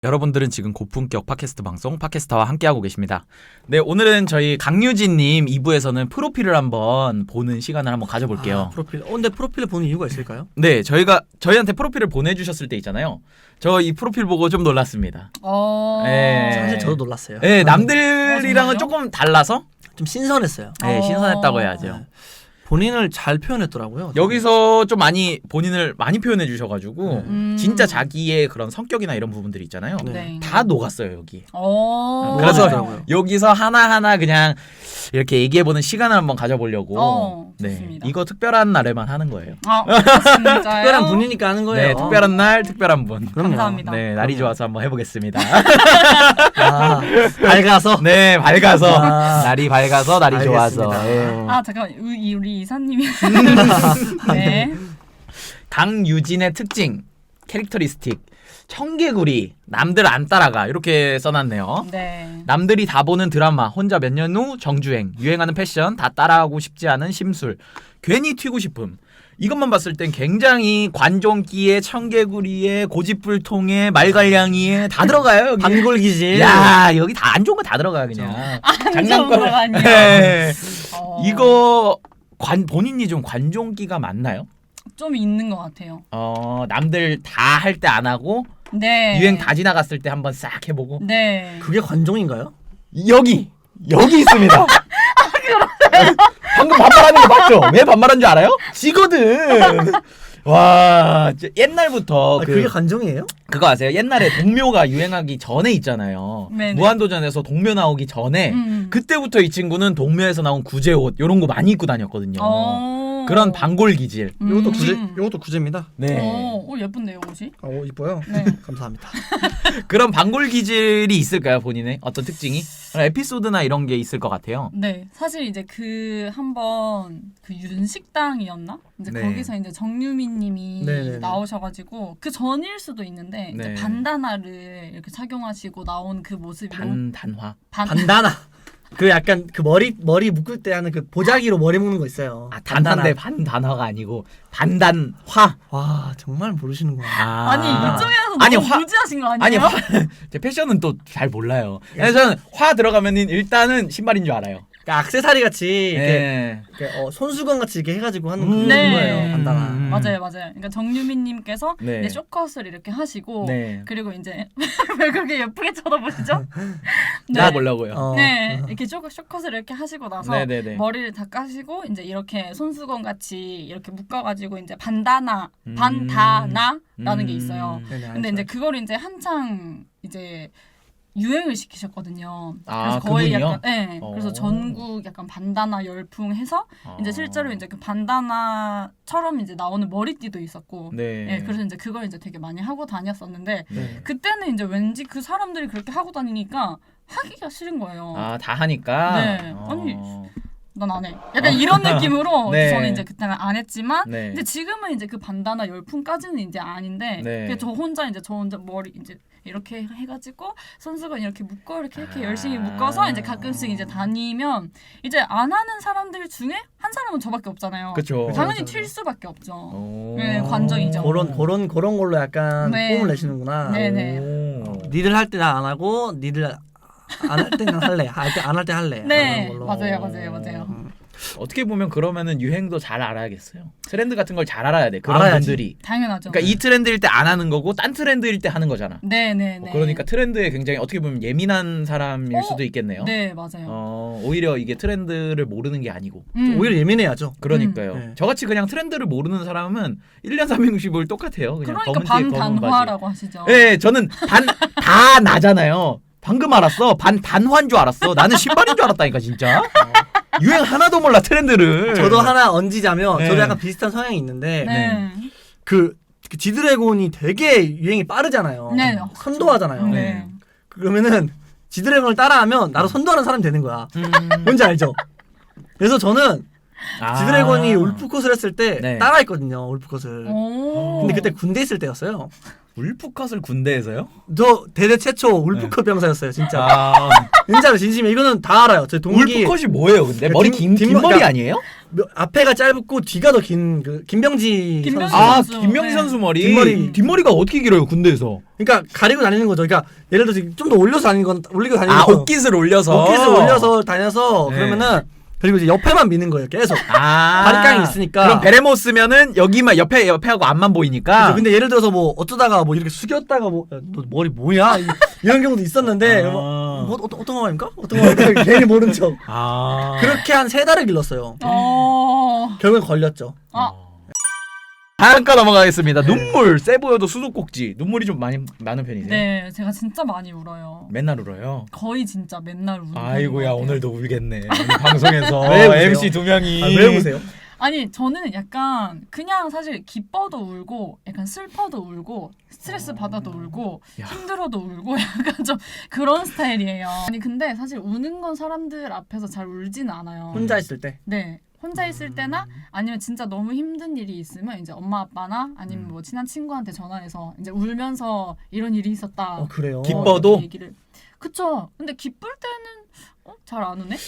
여러분들은 지금 고품격 팟캐스트 방송 팟캐스타와 함께하고 계십니다. 네, 오늘은 저희 강유진님 2부에서는 프로필을 한번 보는 시간을 한번 가져볼게요. 프로필. 근데 프로필을 보는 이유가 있을까요? 네, 저희한테 프로필을 보내주셨을 때 있잖아요. 저 이 프로필 보고 좀 놀랐습니다. 네. 사실 저도 놀랐어요. 네, 남들이랑은 정말요? 조금 달라서 좀 신선했어요. 네, 신선했다고 해야죠. 네. 본인을 잘 표현했더라고요. 여기서 좀 많이 본인을 많이 표현해 주셔가지고 진짜 진짜 자기의 그런 성격이나 이런 부분들이 있잖아요. 네. 다 녹았어요 여기. 그래서 그래서 여기서 하나하나 그냥 이렇게 얘기해보는 시간을 한번 가져보려고. 좋습니다. 이거 특별한 날에만 하는 거예요. 진짜요? 특별한 분이니까 하는 거예요. 네, 특별한 날, 특별한 분. 그럼요. 감사합니다. 네, 날이 좋아서 한번 해보겠습니다. 밝아서. 네, 밝아서 아. 날이 밝아서 날이 알겠습니다. 좋아서. 예. 잠깐만 우리 이사님이 네. 강유진의 특징, 캐릭터리스틱, 청개구리, 남들 안 따라가 이렇게 써놨네요. 네. 남들이 다 보는 드라마, 혼자 몇 년 후 정주행, 유행하는 패션, 다 따라하고 싶지 않은 심술, 괜히 튀고 싶음. 이것만 봤을 땐 굉장히 관종기에, 청개구리에, 고집불통에, 말갈량이에 다 들어가요. 여기. 반골기질. 야, 여기 다 안 좋은 거 다 들어가 그냥. 장난감 아니에요. 네. 이거 본인이 좀 관종기가 많나요? 좀 있는 것 같아요. 남들 다 할 때 안 하고 네. 유행 다 지나갔을 때 한번 싹 해보고. 네. 그게 관종인가요? 여기 있습니다. 방금 반말하는 거 맞죠? 왜 반말한 줄 알아요? 지거든. 와, 옛날부터 그게 관종이에요? 그거 아세요? 옛날에 동묘가 유행하기 전에 있잖아요. 네네. 무한도전에서 동묘 나오기 전에 그때부터 이 친구는 동묘에서 나온 구제옷 이런 거 많이 입고 다녔거든요. 그런 반골 기질. 요것도 구제입니다. 네. 예쁜데요 옷이? 이뻐요. 네. 감사합니다. 그런 반골 기질이 있을까요, 본인의 어떤 특징이? 에피소드나 이런 게 있을 것 같아요. 네, 사실 이제 한번 윤식당이었나? 이제 네. 거기서 이제 정유미님이 네네네. 나오셔가지고 그 전일 수도 있는데 네. 이제 반다나를 이렇게 착용하시고 나온 그 모습이 단화. 반다나. 그 약간 그 머리 묶을 때 하는 그 보자기로 머리 묶는 거 있어요. 단단데 반단화가 아니고 반단화. 와 정말 모르시는구나. 아니 이쪽에서 아니, 너무 무지하신 거 아니에요? 아니 제 패션은 또 잘 몰라요. 그래서 저는 화 들어가면은 일단은 신발인 줄 알아요. 그러니까 액세서리 같이 네. 이렇게 손수건 같이 이렇게 해가지고 하는 네. 그거예요. 반다나. 맞아요. 그러니까 정유미님께서 네. 이제 쇼컷을 이렇게 하시고 네. 그리고 이제 왜 그렇게 예쁘게 쳐다보시죠? 나보려고요. 네, 이렇게 쇼컷을 이렇게 하시고 나서 네네네. 머리를 다 까시고 이제 이렇게 손수건 같이 이렇게 묶어가지고 이제 반다나라는 게 있어요. 근데 이제 그걸 이제 한창 이제 유행을 시키셨거든요. 그래서 거의 그분이요? 약간 그래서 전국 약간 반다나 열풍해서 이제 실제로 이제 그 반다나처럼 이제 나오는 머리띠도 있었고, 네. 그래서 이제 그걸 이제 되게 많이 하고 다녔었는데 네. 그때는 이제 왠지 그 사람들이 그렇게 하고 다니니까 하기가 싫은 거예요. 다 하니까. 네. 아니, 난 안 해. 약간 이런 느낌으로 네. 저는 이제 그때는 안 했지만 네. 이제 지금은 이제 그 반다나 열풍까지는 이제 아닌데 네. 그냥 저 혼자 머리 이제 이렇게 해가지고 손수건 이렇게 묶어 이렇게 열심히 묶어서 이제 가끔씩 이제 다니면 이제 안 하는 사람들 중에 한 사람은 저밖에 없잖아요. 그쵸. 당연히 튈 수밖에 없죠. 네, 관정이죠. 그런 걸로 약간 네. 폼을 내시는구나. 네네. 니들 할 때는 안 하고 니들 안 할 때는 할래. 안 할 때 할래. 네, 걸로. 맞아요. 어떻게 보면 그러면은 유행도 잘 알아야겠어요. 트렌드 같은 걸 잘 알아야 돼. 그런 알아야지. 분들이. 당연하죠. 그러니까 이 트렌드일 때 안 하는 거고 딴 트렌드일 때 하는 거잖아. 네네네. 그러니까 트렌드에 굉장히 어떻게 보면 예민한 사람일 수도 있겠네요. 네, 맞아요. 오히려 이게 트렌드를 모르는 게 아니고. 오히려 예민해야죠. 그러니까요. 네. 저같이 그냥 트렌드를 모르는 사람은 1년 365일 똑같아요. 그냥 그러니까 검은 티에 검은 바지. 반단화라고 하시죠. 네, 저는 다 나잖아요. 방금 알았어. 반단화인 줄 알았어. 나는 신발인 줄 알았다니까 진짜. 유행 하나도 몰라 트렌드를. 저도 하나 얹이자면 네. 저도 약간 비슷한 성향이 있는데 네. 그 지드래곤이 되게 유행이 빠르잖아요. 네. 선도하잖아요. 네. 그러면은 지드래곤을 따라하면 나도 선도하는 사람이 되는 거야. 뭔지 알죠? 그래서 저는 지드래곤이 울프컷을 했을 때 네. 따라했거든요. 울프컷을. 오. 근데 그때 군대 있을 때였어요. 울프컷을 군대에서요? 저 대대 최초 울프컷 병사였어요, 진짜. 진짜로 진심이에요. 이거는 다 알아요. 제 동기 울프컷이 뭐예요, 근데? 그러니까 머리 긴 긴 머리- 머리 그러니까 아니에요? 앞에가 짧고 뒤가 더 긴 그 김병지 김병지 선수. 아, 선수. 김명희 네. 선수 머리. 뒷머리. 뒷머리가 어떻게 길어요, 군대에서? 그러니까 가리고 다니는 거죠. 그러니까 예를 들어서 좀 더 올려서 다니는 건 올리고 다니는 아, 건 옷깃을 올려서. 옷깃을 올려서 다녀서 네. 그러면은 그리고 이제 옆에만 미는 거예요. 계속. 아. 바리깡이 있으니까. 그럼 베레모 쓰면은 여기만 옆에하고 앞만 보이니까. 그죠. 근데 예를 들어서 뭐 어쩌다가 뭐 이렇게 숙였다가 뭐 야, 너 머리 뭐야? 이런 경우도 있었는데 아. 뭐 어떤 거 말입니까? 어떤 거 말입니까? 괜히 모른 척. 아. 그렇게 한 3달을 길렀어요. 결국엔 걸렸죠. 다음 거 넘어가겠습니다. 눈물 세 보여도 수도꼭지. 눈물이 좀 많은 편이세요? 네, 제가 진짜 많이 울어요. 맨날 울어요. 거의 진짜 맨날 우는 아이고야, 편인 것 같아요. 오늘도 울겠네. 오늘 방송에서 왜 우세요? MC 2명이. 아, 왜 보세요? 아니 저는 약간 그냥 사실 기뻐도 울고 약간 슬퍼도 울고 스트레스 받아도 울고 야. 힘들어도 울고 약간 좀 그런 스타일이에요. 아니 근데 사실 우는 건 사람들 앞에서 잘 울지는 않아요. 혼자 있을 때. 네. 혼자 있을 때나 아니면 진짜 너무 힘든 일이 있으면 이제 엄마 아빠나 아니면 뭐 친한 친구한테 전화해서 이제 울면서 이런 일이 있었다. 그래요. 기뻐도? 이렇게 얘기를. 그쵸. 근데 기쁠 때는 잘 안 우네?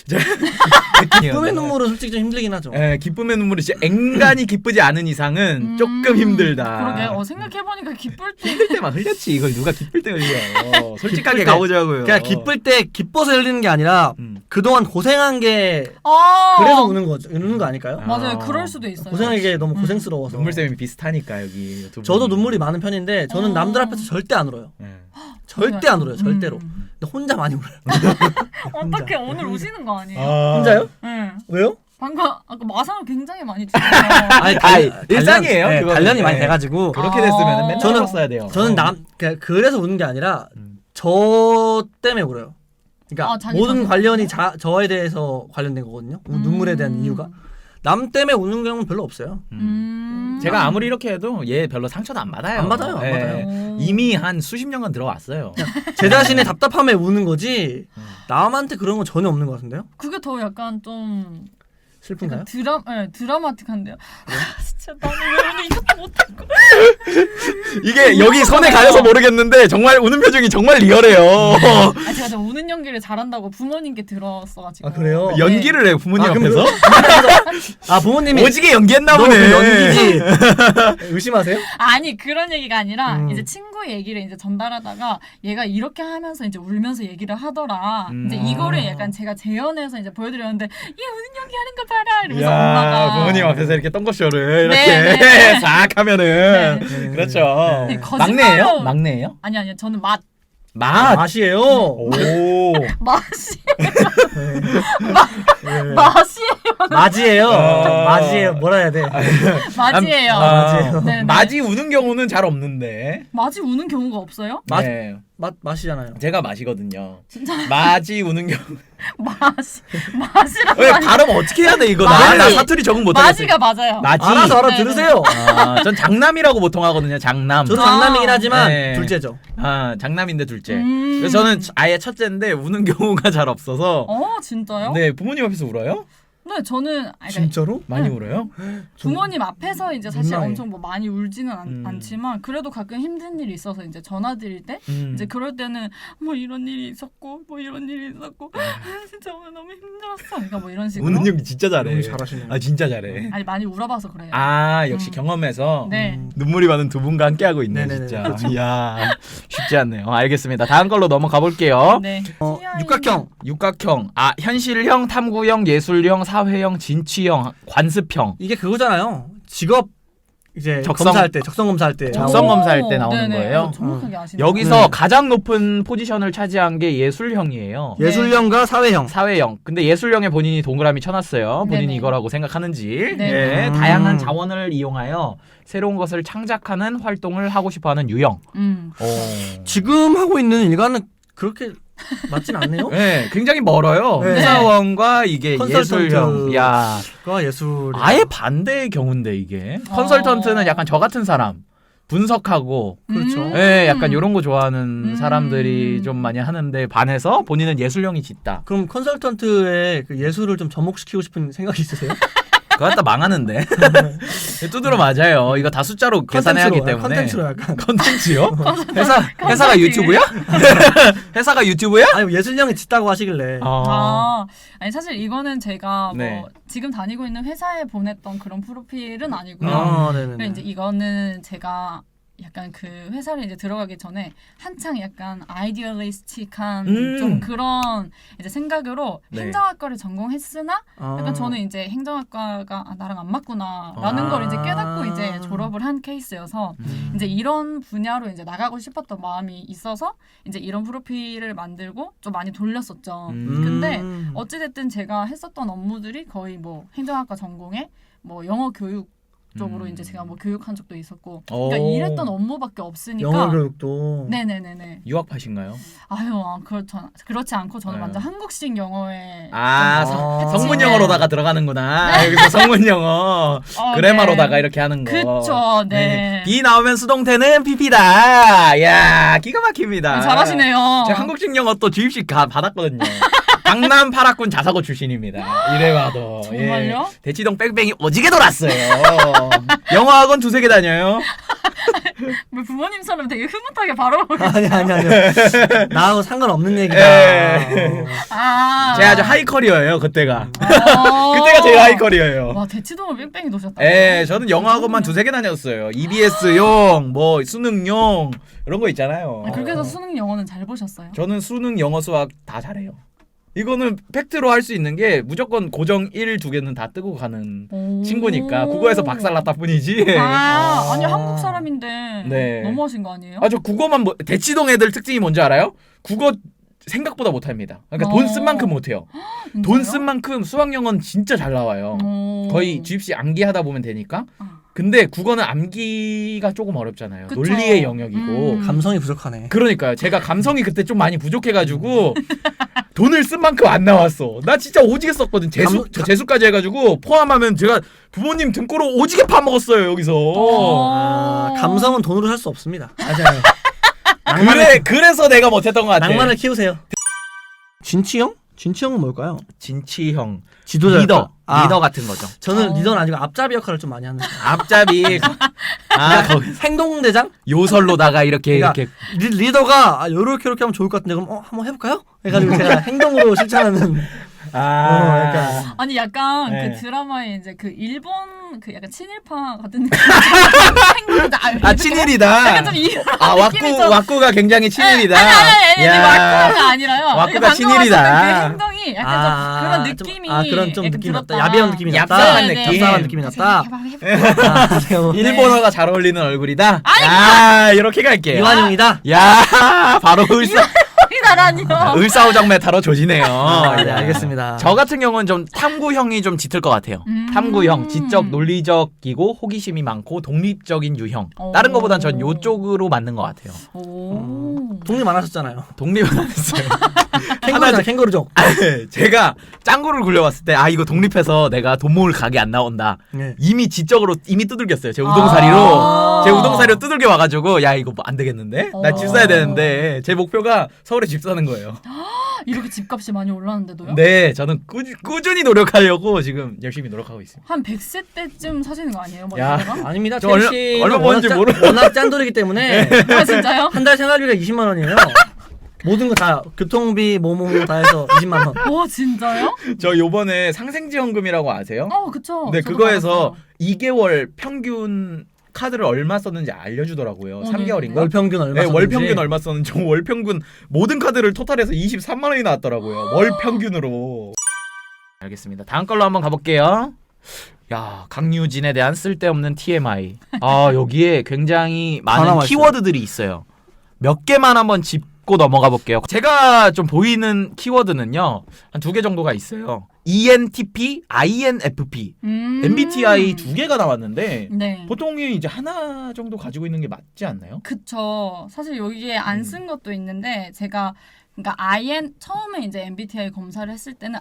꿈의 눈물은 솔직히 좀 힘들긴 하죠. 예, 기쁨의 눈물이 진짜 앵간히 기쁘지 않은 이상은 조금 힘들다. 그러게. 생각해보니까 기쁠 때 힘들 때만 흘렸지. 이걸 누가 기쁠 때 흘려. 솔직하게 기쁠 때. 가보자고요. 그냥 기쁠 때 기뻐서 흘리는 게 아니라 음. 그동안 고생한 게 아 그래서 우는 거죠. 우는 거 아닐까요? 맞아요. 아. 그럴 수도 있어요. 고생한 게 너무 고생스러워서. 눈물샘이 비슷하니까 여기 두 저도 분이. 눈물이 많은 편인데 저는 어. 남들 앞에서 절대 안 울어요. 예. 절대 안 울어요. 절대로. 근데 혼자 많이 울어요. 어떻게 오늘 우시는 거 아니에요? 아. 혼자요? 네. 왜요? 방금 아까 마상을 굉장히 많이 주세요. 아니, 단련이에요, 네, 그거는. 단련이 많이 네. 돼가지고 그렇게 됐으면 맨날 저는- 울었어야 돼요. 저는 그래서 우는 게 아니라 음. 저 때문에 울어요. 그러니까 자기 모든 자신? 관련이 저에 대해서 관련된 거거든요. 눈물에 대한 이유가. 남 때문에 우는 경우는 별로 없어요. 제가 아무리 이렇게 해도 얘 별로 상처도 안 받아요. 안 받아요, 안 예. 받아요. 이미 한 수십 년간 들어왔어요. 제 자신의 답답함에 우는 거지 남한테 그런 건 전혀 없는 것 같은데요? 그게 더 약간 좀 슬픈가요? 드라마틱한데요. 진짜 나는 왜 오늘 이것도 못했고. 이게 여기 손에 가려서 모르겠는데 정말 우는 표정이 정말 리얼해요. 제가 좀 우는 연기를 잘한다고 부모님께 들었어가지고. 아, 그래요? 네. 연기를 해 부모님 아, 그럼 앞에서? 아 부모님이 오지게 연기했나 너 보네. 연기지 의심하세요? 아니 그런 얘기가 아니라 음. 이제 친구 얘기를 이제 전달하다가 얘가 이렇게 하면서 이제 울면서 얘기를 하더라. 이제 아. 이거를 약간 제가 재현해서 이제 보여드렸는데 얘 우는 연기 하는 거 봐라. 이러면서 야, 엄마가 부모님 앞에서 이렇게 똥꼬쇼를 네, 이렇게 네. 싹 하면은 네. 그렇죠. 네, 거짓말로- 막내예요? 막내예요? 아니 저는 맛. 맛이에요. 오. 맛이 네. 맛이에요. 맞이에요. 아. 맞이에요. 뭐라 해야 돼? 맛이에요. 맞아요. 네, 네. 맛이 우는 경우는 잘 없는데. 맛이 우는 경우가 없어요? 맛- 네. 맛이잖아요. 제가 맛이거든요. 진짜 맛이 우는 경우. 맛이란 왜 말이 발음 어떻게 해야 돼 이거? 맛이. 나 사투리 적응 못 하겠어. 맛이가 맞아요. 맛이. 알아서 네, 알아들으세요. 전 장남이라고 보통 하거든요. 장남. 저도 아. 장남이긴 하지만 네. 둘째죠. 장남인데 둘째. 음. 그래서 저는 아예 첫째인데 우는 경우가 잘 없어서. 진짜요? 네, 부모님 앞에서 울어요? 네, 저는 그러니까 진짜로? 많이 응. 울어요? 부모님 앞에서 이제 사실 민망해. 엄청 뭐 많이 울지는 음. 않지만 그래도 가끔 힘든 일이 있어서 이제 전화 드릴 때 이제 그럴 때는 뭐 이런 일이 있었고 뭐 이런 일이 있었고 진짜 오늘 너무 힘들었어. 그러니까 뭐 이런 식으로. 우는 연기 진짜 잘해. 너무 잘하시네요. 아 진짜 잘해. 아니 많이 울어봐서 그래요. 역시 음. 경험해서 네. 눈물이 많은 두 분과 함께 하고 있네 네네네. 진짜. 이야 쉽지 않네요. 알겠습니다. 다음 걸로 넘어가 볼게요. 네. 육각형. 육각형, 현실형, 탐구형, 예술형, 사회형, 진취형, 관습형. 이게 그거잖아요. 직업 이제 적성- 검사할 때 적성 검사할 때 적성 오, 검사할 때 나오는 네네. 거예요? 정확하게 아시네. 여기서 네. 가장 높은 포지션을 차지한 게 예술형이에요. 네. 예술형과 사회형. 사회형. 근데 예술형에 본인이 동그라미 쳐놨어요. 본인이 네네. 이거라고 생각하는지. 네. 예, 음. 다양한 자원을 이용하여 새로운 것을 창작하는 활동을 하고 싶어하는 유형. 지금 하고 있는 일과는 그렇게 맞진 않네요. 네, 굉장히 멀어요. 네. 회사원과 이게 컨설턴트. 예술형. 야, 과 예술. 아예 반대의 경우인데 이게. 컨설턴트는 약간 저 같은 사람. 분석하고 그렇죠. 예, 약간 이런 거 좋아하는 음. 사람들이 좀 많이 하는데 반해서 본인은 예술형이 짙다. 그럼 컨설턴트의 그 예술을 좀 접목시키고 싶은 생각이 있으세요? 그거 갖다 망하는데. 두드러 맞아요. 이거 다 숫자로 계산해야 하기 때문에. 컨텐츠로 약간. 컨텐츠요? 회사가 유튜브야? 회사가 유튜브야? 아니 예술형이 짙다고 하시길래. 아니 사실 이거는 제가 네. 뭐 지금 다니고 있는 회사에 보냈던 그런 프로필은 아니고요. 네네. 그리고 이제 이거는 제가 약간 그 회사를 이제 들어가기 전에 한창 약간 아이디얼리스틱한 좀 그런 이제 생각으로 네. 행정학과를 전공했으나 약간 저는 이제 행정학과가 나랑 안 맞구나라는 걸 이제 깨닫고 이제 졸업을 한 케이스여서 이제 이런 분야로 이제 나가고 싶었던 마음이 있어서 이제 이런 프로필을 만들고 좀 많이 돌렸었죠. 근데 어찌됐든 제가 했었던 업무들이 거의 뭐 행정학과 전공에 뭐 영어 교육 쪽으로 이제 제가 뭐 교육한 적도 있었고 그러니까 일했던 업무밖에 없으니까 영어 교육도. 네네네네. 유학파신가요? 아유 그렇지 않고 저는 네. 완전 한국식 영어에 성문 영어로다가 들어가는구나. 여기서 성문 영어 그래마로다가 이렇게 하는 거. 그쵸. 네. B 나오면 수동태는 PP다. 야 기가 막힙니다. 잘하시네요. 제가 한국식 영어 또 주입식 받았거든요. 강남 파라군 자사고 출신입니다. 이래봐도. 정말요? 예. 대치동 뺑뺑이 오지게 돌았어요. 영어학원 2-3개 다녀요. 뭐 부모님처럼 되게 흐뭇하게 바로 아니. 나하고 상관없는 얘기다. 예. 제가 아주 하이 커리어예요 그때가. 그때가 제일 하이 커리어예요. 와 대치동을 뺑뺑이 도셨다. 예, 저는 영어학원만 2-3개 다녔어요. EBS용, 뭐 수능용 이런 거 있잖아요. 그렇게 해서 수능 영어는 잘 보셨어요? 저는 수능, 영어, 수학 다 잘해요. 이거는 팩트로 할 수 있는 게 무조건 고정 1, 2개는 다 뜨고 가는 친구니까 국어에서 박살났다 뿐이지. 아니 한국 사람인데 네. 너무하신 거 아니에요? 저 국어만 대치동 애들 특징이 뭔지 알아요? 국어 생각보다 못합니다. 그러니까 돈 쓴 만큼 못해요. 돈 쓴 만큼 수학, 영어는 진짜 잘 나와요. 거의 주입식 암기하다 보면 되니까. 근데 국어는 암기가 조금 어렵잖아요. 그쵸. 논리의 영역이고. 감성이 부족하네. 그러니까요. 제가 감성이 그때 좀 많이 부족해가지고 돈을 쓴 만큼 안 나왔어. 나 진짜 오지게 썼거든. 재수까지 해가지고 포함하면 제가 부모님 등골을 오지게 파먹었어요 여기서. 감성은 돈으로 살 수 없습니다. 맞아요. 그래서 내가 못했던 것 같아. 낭만을 키우세요. 진치형? 진치형은 뭘까요? 진치형. 지도자 리더 역할. 같은 거죠. 저는 리더는 아니고 앞잡이 역할을 좀 많이 하는 거예요. 앞잡이. 거기 행동대장? 요설로다가 이렇게 그러니까 리더가 요렇게 하면 좋을 것 같은데 그럼 한번 해볼까요? 해가지고 제가 행동으로 실천하는. 약간. 아니 약간 네. 그 드라마에 이제 그 일본 그 약간 친일파 같은 느낌. 친일이다. 약간 좀 왁구가 굉장히 친일이다. 아니 왁구가 아니라요. 왁구가 친일이다. 그 행동이 약간 좀 그런 느낌이 그런 좀 느낌이 났다. 들었다. 야비한 느낌이 났다. 얍삽한 느낌. 얍삽한 느낌이 났다. 일본어가 잘 어울리는 얼굴이다. 이렇게 갈게요. 이완용이다. 야 바로 나라니요. 을사오정 메타로 조지네요. 네, 알겠습니다. 저 같은 경우는 좀 탐구형이 좀 짙을 것 같아요. 탐구형, 지적 논리적이고 호기심이 많고 독립적인 유형. 다른 거보단 전 요쪽으로 맞는 것 같아요. 독립 안 하셨잖아요. 독립은 안 했어요. 캥거루족. 제가 짱구를 굴려봤을 때 이거 독립해서 내가 돈 모을 각이 안 나온다. 네. 이미 지적으로 두들겼어요. 제 우동사리로. 제 우동사리로 두들겨 와가지고 야 이거 뭐 안 되겠는데? 나 집 사야 되는데 제 목표가 서울에 집 사는 거예요. 이렇게 집값이 많이 올랐는데도요? 네, 저는 꾸준히 노력하려고 지금 열심히 노력하고 있습니다. 한 100세 때쯤 사시는 거 아니에요? 뭐 야. 이거가? 아닙니다. 저 얼마 버는지 워낙 짠돌이기 때문에 진짜요? 한 달 생활비가 20만 원이에요. 모든 거 다 교통비 뭐뭐 다 해서 20만 원. 와 진짜요? 저 요번에 상생지원금이라고 아세요? 그쵸. 네, 저도 그거에서 받았어요. 2개월 평균 카드를 얼마 썼는지 알려주더라고요. 3개월인가? 월평균 얼마 네, 썼는지. 월평균 얼마 썼는지. 월평균 모든 카드를 토탈해서 23만 원이 나왔더라고요. 월평균으로. 알겠습니다. 다음 걸로 한번 가볼게요. 야, 강유진에 대한 쓸데없는 TMI. 여기에 굉장히 많은 키워드들이 있어요. 몇 개만 한번 짚고 넘어가 볼게요. 제가 좀 보이는 키워드는요. 한 2개 정도가 있어요. ENTP, INFP, MBTI 2개가 나왔는데 네. 보통이 이제 하나 정도 가지고 있는 게 맞지 않나요? 그쵸. 사실 여기에 안 쓴 것도 있는데 제가 그러니까 처음에 이제 MBTI 검사를 했을 때는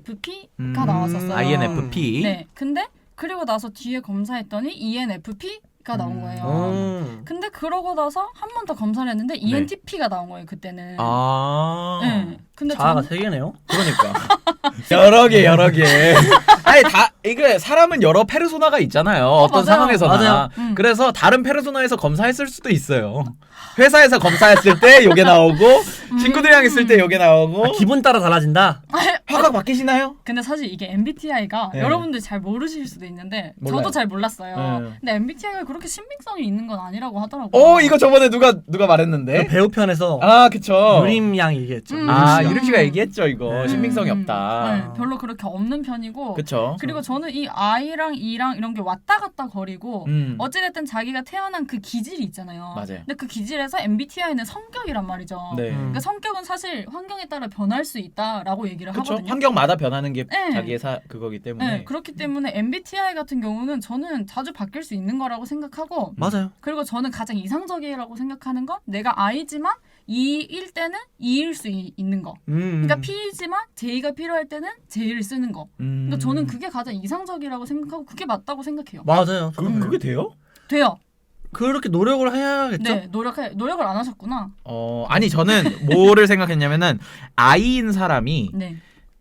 INFP가 나왔었어요. INFP. 네. 근데 그리고 나서 뒤에 검사했더니 ENFP 나온 거예요. 근데 그러고 나서 한 번 더 검사를 했는데 ENTP가 나온 거예요 그때는. 네. 근데 자아가 3개네요. 그러니까 여러 개. 아니 다 이게 사람은 여러 페르소나가 있잖아요. 어떤 맞아요. 상황에서나. 맞아요. 그래서 다른 페르소나에서 검사했을 수도 있어요. 회사에서 검사했을 때 요게 나오고 친구들이랑 있을 때 요게 나오고. 기분 따라 달라진다. 화각 바뀌시나요? 근데 사실 이게 MBTI가 네. 여러분들 잘 모르실 수도 있는데 몰라요. 저도 잘 몰랐어요. 네. 근데 MBTI가 그렇게 신빙성이 있는 건 아니라고 하더라고요. 이거 저번에 누가 말했는데? 그 배우 편에서 그쵸. 유림 양이 얘기했죠. 유림 씨가 얘기했죠 이거. 네. 신빙성이 없다. 네, 별로 그렇게 없는 편이고. 그쵸. 그리고 저는 이 I랑 E랑 이런 게 왔다 갔다 거리고 음. 어찌됐든 자기가 태어난 그 기질이 있잖아요. 맞아요. 근데 그 기질에서 MBTI는 성격이란 말이죠. 네. 그러니까 성격은 사실 환경에 따라 변할 수 있다라고 얘기를 그쵸. 하거든요. 환경마다 변하는 게 네. 자기의 그거기 때문에. 네, 그렇기 때문에 MBTI 같은 경우는 저는 자주 바뀔 수 있는 거라고 생각하고 맞아요. 그리고 저는 가장 이상적이라고 생각하는 건 내가 I지만 E일 때는 E일 수 있는 거. 그러니까 P이지만 J가 필요할 때는 J를 쓰는 거. 그러니까 저는 그게 가장 이상적이라고 생각하고 그게 맞다고 생각해요. 맞아요. 그게 돼요? 돼요. 그렇게 노력을 해야겠죠. 네, 노력을 안 하셨구나. 아니 저는 뭐를 생각했냐면은 I인 사람이 네.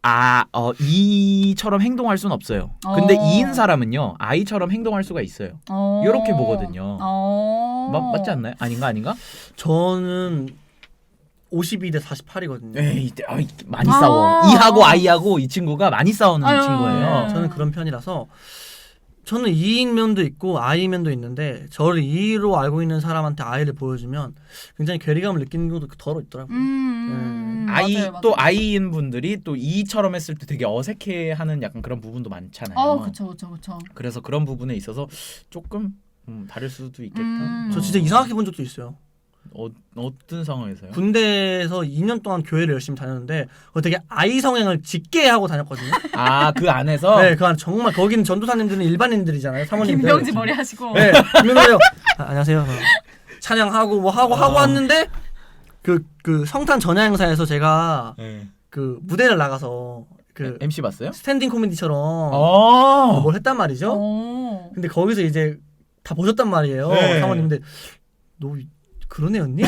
E처럼 행동할 수는 없어요. 근데 어. E인 사람은요 I처럼 행동할 수가 있어요. 요렇게 보거든요. 맞지 않나요? 아닌가? 저는 52대 48이거든요. 에이, 많이 싸워. E하고 I하고 이 친구가 많이 싸우는 아유. 친구예요. 저는 그런 편이라서 저는 E인 면도 있고 I인 면도 있는데 저를 E로 알고 있는 사람한테 I를 보여주면 굉장히 괴리감을 느끼는 경우도 덜어 있더라고요. 맞아요. 또 I인 분들이 또 E처럼 했을 때 되게 어색해하는 약간 그런 부분도 많잖아요. 그쵸. 그래서 그런 부분에 있어서 조금 다를 수도 있겠다. 저 진짜 이상하게 본 적도 있어요. 어떤 상황에서요? 군대에서 2년 동안 교회를 열심히 다녔는데 되게 I 성향을 짙게 하고 다녔거든요. 그 안에서? 네, 그 안에 정말 거기는 전도사님들은 일반인들이잖아요. 사모님들. 김병지 머리 하시고. 네, 김병지요. 안녕하세요. 찬양하고 뭐 하고 왔는데 그 성탄 전야 행사에서 제가 그 무대를 나가서 그 MC 봤어요? 스탠딩 코미디처럼 뭘 했단 말이죠. 근데 거기서 이제 다 보셨단 말이에요. 네. 사모님들 너 그런 애였니?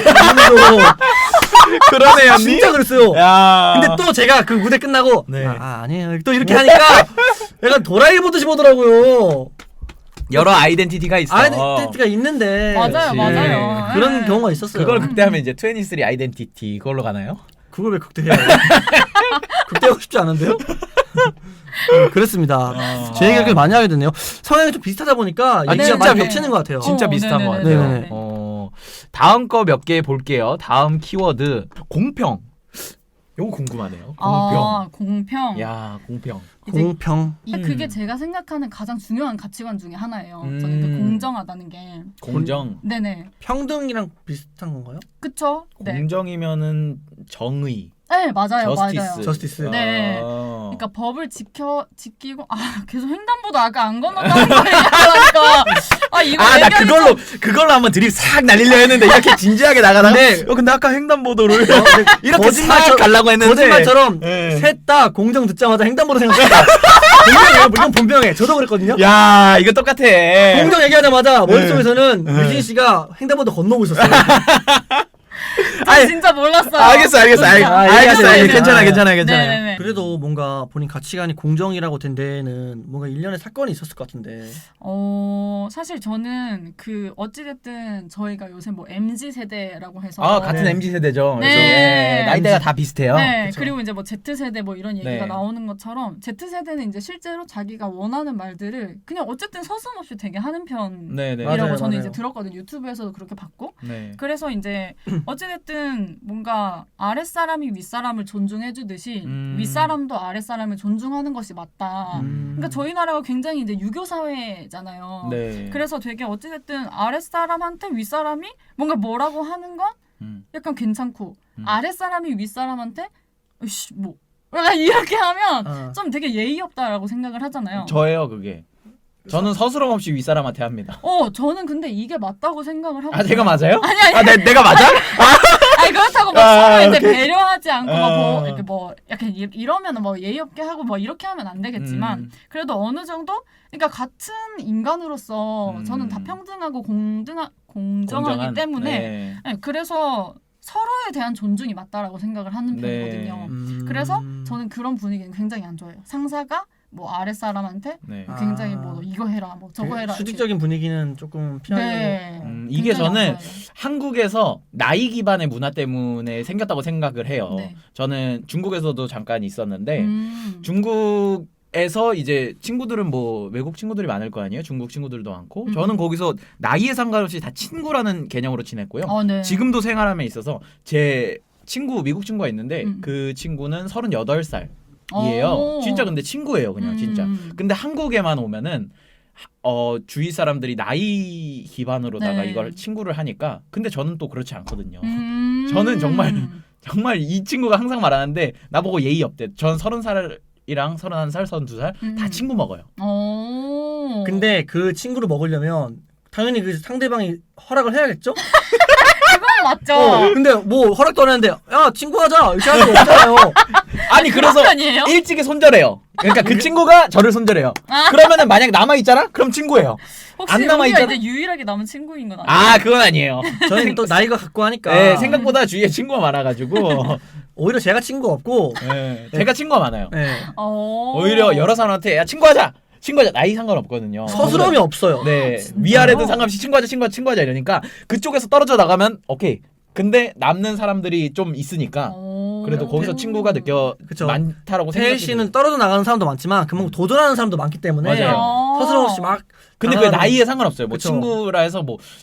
그런 애였니? 진짜 그랬어요. 야. 근데 또 제가 그 무대 끝나고 네. 아니에요. 또 이렇게 하니까 약간 도라이 보듯이 보더라고요. 여러 아이덴티티가 있어. 아이덴티티가 있는데 맞아요. 그런 네. 경우가 있었어요. 그걸 극대하면 이제 23 아이덴티티 그걸로 가나요? 그걸 왜 극대해요? 극대하고 싶지 않은데요? 그렇습니다. 제 얘기를 꽤 많이 하게 됐네요. 성향이 좀 비슷하다 보니까 얘기가 진짜 많이 겹치는 것 같아요. 진짜 비슷한 것 같아요. 네네네. 다음 거 몇 개 볼게요. 다음 키워드 공평. 요거 궁금하네요. 공평. 공평. 야, 공평. 공평. 그게 제가 생각하는 가장 중요한 가치관 중에 하나예요. 저는 그 공정하다는 게. 공정. 네네. 평등이랑 비슷한 건가요? 그쵸? 네. 공정이면은 정의. 네, 맞아요. 저스티스. 네. 그러니까 법을 지키고 계속 횡단보도 아까 안 건넜다는 거 얘기하니까 이거 나 그걸로 한번 드립 싹 날리려 했는데 이렇게 진지하게 나가다가 근데 아까 횡단보도를 이렇게 싹 가려고 했는데 거짓말처럼 셋 다 공정 듣자마자 횡단보도 생각했다. 분명해요. 물론 분명해. 저도 그랬거든요. 야, 이거 똑같아. 공정 얘기하자마자 머릿속에서는 유진 씨가 횡단보도 건너고 있었어요. 진짜 몰랐어요. 알겠어. 괜찮아. 네네네. 그래도 뭔가 본인 가치관이 공정이라고 된 데에는 뭔가 일련의 사건이 있었을 것 같은데. 사실 저는 그 어찌됐든 저희가 요새 뭐 MZ 세대라고 해서 같은 MZ 세대죠. 네. 그래서 나이대가 다 비슷해요. 네. 그쵸. 그리고 이제 뭐 Z 세대 뭐 이런 얘기가 네. 나오는 것처럼 Z 세대는 이제 실제로 자기가 원하는 말들을 그냥 어쨌든 서슴없이 되게 하는 편이라고 네네. 맞아요, 저는 맞아요. 이제 들었거든요. 유튜브에서도 그렇게 봤고. 네. 그래서 이제 어찌됐든 뭔가 아랫사람이 윗사람을 존중해주듯이 윗사람도 아랫사람을 존중하는 것이 맞다. 그러니까 저희 나라가 굉장히 이제 유교 사회잖아요. 네. 그래서 되게 어찌됐든 아랫사람한테 윗사람이 뭔가 뭐라고 하는 건 약간 괜찮고 아랫사람이 윗사람한테 으이씨 뭐 약간 이렇게 하면 좀 되게 예의 없다라고 생각을 하잖아요. 저예요, 그게. 저는 서스럼 없이 윗사람한테 합니다. 저는 근데 이게 맞다고 생각을 하고. 제가 맞아요? 아니. 내가 맞아? 아니 그렇다고 막 서로 이제 배려하지 않고 막 이렇게 뭐 약간 이러면은 뭐 예의 없게 하고 뭐 이렇게 하면 안 되겠지만 그래도 어느 정도 그러니까 같은 인간으로서 저는 다 평등하고 공정하기 때문에 네, 그래서 서로에 대한 존중이 맞다라고 생각을 하는 편이거든요. 그래서 저는 그런 분위기는 굉장히 안 좋아해요. 상사가 뭐 아랫사람한테 굉장히 뭐 이거 해라 뭐 저거 해라 수직적인 분위기는 조금 피하려고. 네. 이게 저는 한국에서 나이 기반의 문화 때문에 생겼다고 생각을 해요. 네. 저는 중국에서도 잠깐 있었는데 중국에서 이제 친구들은 뭐 외국 친구들이 많을 거 아니에요. 중국 친구들도 많고 저는 거기서 나이에 상관없이 다 친구라는 개념으로 지냈고요. 네. 지금도 생활함에 있어서 제 친구 미국 친구가 있는데 그 친구는 38살 이에요. 진짜 근데 친구예요, 그냥 진짜. 근데 한국에만 오면은 주위 사람들이 나이 기반으로다가 네. 이걸 친구를 하니까 근데 저는 또 그렇지 않거든요. 저는 정말 이 친구가 항상 말하는데 나보고 예의 없대. 전 30살이랑 31살, 32살 다 친구 먹어요. 근데 그 친구를 먹으려면 당연히 그 상대방이 허락을 해야겠죠? 그건 맞죠. 근데 뭐 허락도 안 했는데 야 친구 하자 이렇게 할 수 없잖아요. 아니 그래서 편이에요? 일찍이 손절해요. 그러니까 그 친구가 저를 손절해요. 그러면은 만약 남아 있잖아? 그럼 친구예요. 혹시 안 남아 우리가 있잖아. 이제 유일하게 남은 친구인 건 아니에요? 그건 아니에요. 저는 또 나이가 갖고 하니까 네, 생각보다 주위에 친구가 많아가지고 오히려 제가 친구가 없고 제가 친구가 많아요. 네. 오히려 여러 사람한테 야 친구하자 나이 상관없거든요. 서스럼이 없어요. 네 위아래든 상관없이 친구하자 이러니까 그쪽에서 떨어져 나가면 오케이. 근데 남는 사람들이 좀 있으니까 그래도 거기서 친구가 그쵸. 많다라고 태일 생각이 씨는 떨어져 나가는 사람도 많지만 그만큼 도전하는 사람도 많기 때문에 맞아요. 서스럼 없이 막 근데 그 나이에 상관없어요. 뭐 그쵸. 친구라 해서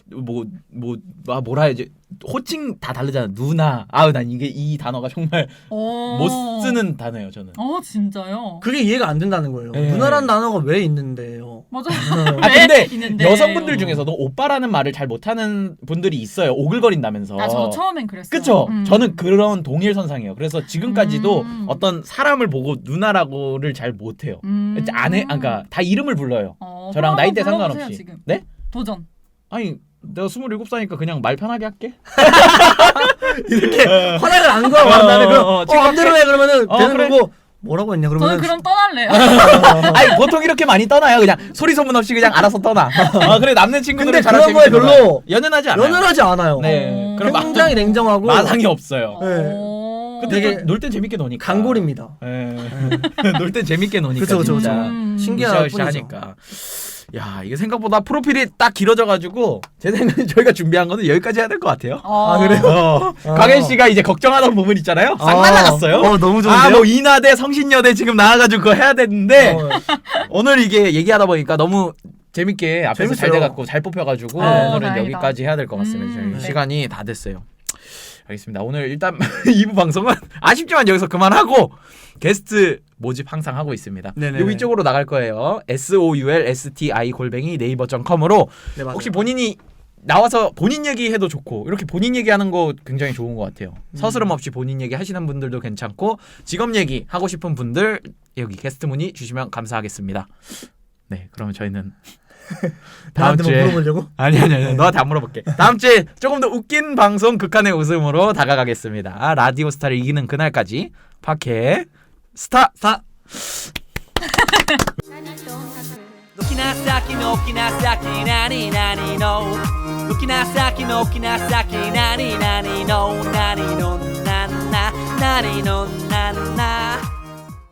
뭐라 해야지 호칭 다 다르잖아. 누나. 난 이게 이 단어가 정말 못 쓰는 단어예요. 저는. 진짜요? 그게 이해가 안 된다는 거예요. 네. 누나라는 단어가 왜 있는데요? 맞아요. 근데 있는데요. 여성분들 중에서도 오빠라는 말을 잘 못하는 분들이 있어요. 오글거린다면서. 저도 처음엔 그랬어요. 그쵸? 저는 그런 동일선상이에요. 그래서 지금까지도 어떤 사람을 보고 누나라고를 잘 못해요. 그러니까 다 이름을 불러요. 저랑 나이대 상관없이. 지금. 네? 도전. 아니 내가 27살이니까 그냥 말 편하게 할게. 이렇게 허락을 안 구하고 한다면 그럼 마음대로 해 그러면은 되는 그래. 거고 뭐라고 했냐 저는 그러면 그럼 떠날래요. 아니 보통 이렇게 많이 떠나요. 그냥 소리 소문 없이 그냥 알아서 떠나. 그래 남는 친구들은 근데 잘할 그런 거에 재밌는 별로 거야. 연연하지 않아요. 연연하지 않아요. 네. 그럼 굉장히 냉정하고 마상이 없어요. 되게 근데 놀 땐 재밌게 노니까. 강골입니다. 놀 땐 재밌게 노니까. 그쵸. 진짜. 신기할 으쌰으쌰 뿐이죠. 하니까. 야 이게 생각보다 프로필이 딱 길어져가지고 제 생각에 저희가 준비한 거는 여기까지 해야 될 것 같아요. 그래요? 강현 씨가 이제 걱정하던 부분 있잖아요. 싹 날라갔어요. 너무 좋은데요? 뭐 인하대 성신여대 지금 나와가지고 그거 해야 되는데 오늘 이게 얘기하다 보니까 너무 재밌게 앞에서 잘 재밌어요. 돼갖고 잘 뽑혀가지고 오늘은 다행이다. 여기까지 해야 될 것 같습니다. 저희 네. 시간이 다 됐어요. 알겠습니다. 오늘 일단 2부 방송은 아쉽지만 여기서 그만하고 게스트 모집 항상 하고 있습니다. 네네. 요 이쪽으로 나갈 거예요. soulsti@naver.com으로 네, 맞아요. 혹시 본인이 나와서 본인 얘기해도 좋고 이렇게 본인 얘기하는 거 굉장히 좋은 것 같아요. 서스럼 없이 본인 얘기 하시는 분들도 괜찮고 직업 얘기 하고 싶은 분들 여기 게스트 문의 주시면 감사하겠습니다. 네, 그러면 저희는 다음 나한테 뭐 주에 물어보려고? 아니 너한테 안 물어볼게. 다음 주에 조금 더 웃긴 방송 극한의 웃음으로 다가가겠습니다. 라디오 스타를 이기는 그날까지 파케 스타. 軒な先の軒な先何々の軒な先の軒な先何々の何のなな何の